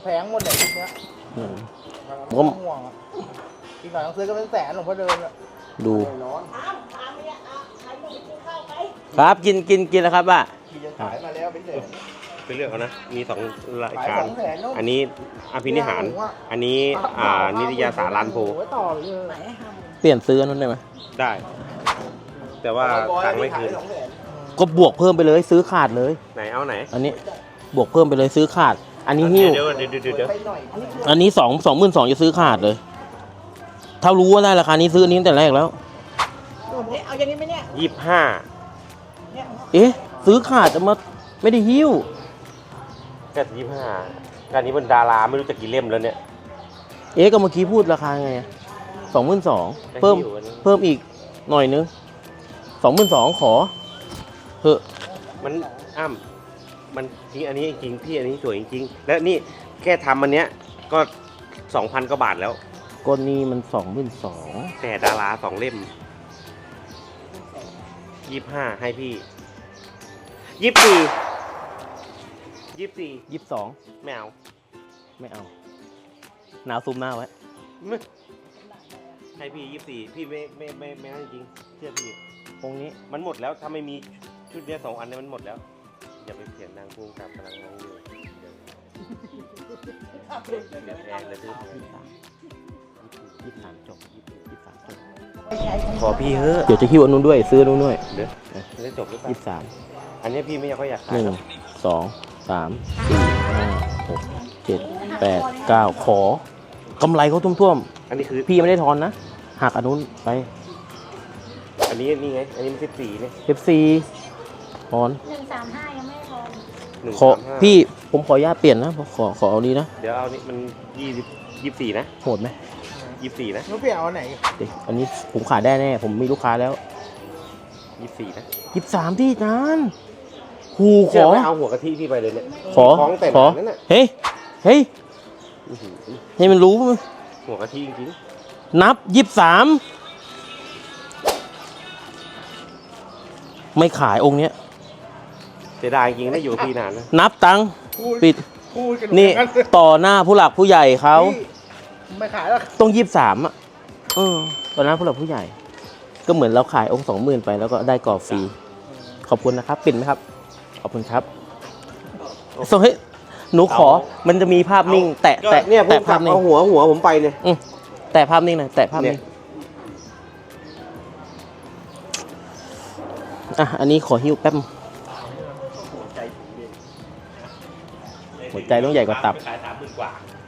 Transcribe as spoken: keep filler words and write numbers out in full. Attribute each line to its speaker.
Speaker 1: แพงหมดเลยชุดเนี้ย
Speaker 2: อืม
Speaker 1: ผมก็ห่วงอ่ะอีกหน่อยต้องซื้อก็เป็นแสนหลวงพ่อเดินอ่ะ
Speaker 2: ดูครับกินกินกินแล้วครับอ่ะ
Speaker 1: ขี่จะขายมาแล้วเป็นเดือน
Speaker 3: ไปเลือกเอานะ มีสองราย
Speaker 1: ขาย
Speaker 3: การ
Speaker 1: สองแสนเนอะ
Speaker 3: อันนี้อภินิหาร อันนี้อ่านิตยสารลานโพ
Speaker 1: ไว้ต่อเลย
Speaker 2: เปลี่ยนซื้ออันนั้นได้ไหม
Speaker 3: ได้ แต่ว่าตังค์ไม่คืน
Speaker 1: สองแสน
Speaker 2: ก็บวกเพิ่มไปเลยซื้อขาดเลย
Speaker 3: ไหนเอาไหน
Speaker 2: อันนี้บวกเพิ่มไปเลยซื้อขาด อันนี้หิ้ว
Speaker 3: เดี๋ยวเดี๋ยวเดี๋ยวเดี๋ยว
Speaker 1: ไปหน่อย
Speaker 2: อันนี้สองสองหมื่นสองจะซื้อขาดเลย ถ้ารู้ว่าได้ราคานี้ซื้ออันนี้ตั้งแต่แรกแล้ว
Speaker 1: เอาอย่างนี้ไหมเนี่ย
Speaker 3: ยี่สิบห้า
Speaker 2: เอ๊ะซื้อขาดจะมาไม่ได้หิ้ว
Speaker 3: ก็ยี่สิบห้าการนี้เป็นดาราไม่รู้จะกี่เล่มแล้วเนี่ย
Speaker 2: เอ๊ะก็เมื่อกี้พูดราคาไงสองหมื่นสองเพิ่ม
Speaker 3: ได้หิ้วอันนี้
Speaker 2: เพิ่มอีกหน่อยนึงสองหมื่นสองขอเถอะ
Speaker 3: มันอ้ำมันจริงอันนี้จริงพี่อันนี้สวยจริงๆแล้วนี่แค่ทำอันเนี้ยก็สองพันกว่าบาทแล้ว
Speaker 2: ก้นนี้มันสองหมื่นสอง
Speaker 3: แต่ดาราสองเล่มยี่สิบห้าให้พี่ยี่สิบสี่ยี่สิบสี่
Speaker 2: ยี่สิบสอง
Speaker 3: ไม่เอา
Speaker 2: ไม่เอาหนาวซูมหน้าไว้
Speaker 3: ไม่ให้พี่ยี่สิบสี่พี่ไม่ไม่ไม่ไม่ให้จริงเชื่อพี่
Speaker 2: องค์นี้
Speaker 3: มันหมดแล้วถ้าไม่มีชุดเนี้ยสองอันเนี้มันหมดแล้วอย่าไปเสียงดังพูงกับกำลังงงอยู่เดี๋ยวเดี๋ยวแพงเลยพี่
Speaker 2: ยี่สิบสามจบยี่สิบสามจบ
Speaker 3: ขอพี่เฮ้อะ
Speaker 2: เดี๋ยวจะคิวอันนู้นด้วยซื้ออันนู้นด้วย
Speaker 3: เดี๋ยวจะจบหรือเปล่า
Speaker 2: ยี่สิบสาม
Speaker 3: อันนี้พี่ไม่อยากก็อยากขา
Speaker 2: ห
Speaker 3: ย
Speaker 2: นึ่ง
Speaker 3: หรอก
Speaker 2: สองสามสี่ห้าหกเจ็ดแปดเก้าขอกำไรเขาท่วม
Speaker 3: อันนี้คือ
Speaker 2: ๆพี่ไม่ได้ทอนนะหักอันนู้นไป
Speaker 3: อันนี้นี่ไงอันนี้มันสิบสี่เนี่ย
Speaker 2: เอฟซีทอน
Speaker 4: หนึ่งสามห้ายังไม่พอ
Speaker 3: หนึ่ง
Speaker 2: ขอ
Speaker 3: สามห้า
Speaker 2: พี่ผมขออนุญาตเปลี่ยนนะขอขอเอานี้นะ
Speaker 3: เดี๋ยวเอานี่มันยี่สิบยี่สิบสี่นะ
Speaker 2: โหดไหม
Speaker 3: ยี่สิบสี่นะ
Speaker 1: นู้นเปลี่ยนเอาไหน
Speaker 2: เดี๋ยวอันนี้ผมขายได้แน่ผมมีลูกค้าแล้ว
Speaker 3: ยี่สิบสี่นะ
Speaker 2: ยี่สิบสามที่นานหูข
Speaker 3: เชื่อ
Speaker 2: อ
Speaker 3: ไหมเอาหัวกะทิพี่ไปเลยเนี่ย
Speaker 2: ขอ
Speaker 3: ของแต่
Speaker 2: ขอ
Speaker 3: นั่นน่ะ
Speaker 2: เฮ้ยเฮ้ย
Speaker 3: อื้อหือ
Speaker 2: ให้มันรู้มั้ย
Speaker 3: หัวกะทิจริง
Speaker 2: นับยี่สิบสามไม่ขายองค์เนี้ย
Speaker 3: ๆเสียดายจริงๆนะอยู่กับพี่นานนะ
Speaker 2: นับตังค์
Speaker 1: พูด
Speaker 2: ปิด
Speaker 1: พูดกัน
Speaker 2: นี่
Speaker 1: เหมือกั
Speaker 2: ต่อหน้าผู้หลักผู้ใหญ่เขา
Speaker 1: พี่ไม่ขายแล้ว
Speaker 2: ต้องยี่สิบสามอ่ะเออต่อหน้าผู้หลักผู้ใหญ่ ก็เหมือนเราขายองค์สองหมื่นไปแล้วก็ได้กรอบฟรีขอบคุณนะครับปิดไหมครับขอบคุณครับส่งให้หนูขอมันจะมีภาพนิ่ง แตะ
Speaker 3: ก็
Speaker 2: แตะ
Speaker 3: เนี่ยผม
Speaker 2: แตะ
Speaker 3: กลั
Speaker 2: ภา
Speaker 3: บ
Speaker 2: พนิ่ง
Speaker 3: เอาหัวหัวผมไปเนี่ย
Speaker 2: อืมแตะภาพนิ่งหน่อยแตะภาพนิ่ง
Speaker 3: เนี่ย
Speaker 2: อ่ะอันนี้ขอหิ้วแป๊บหัวใจต้องใหญ่กว่าตับ
Speaker 3: ขายสามหมื่นกว่า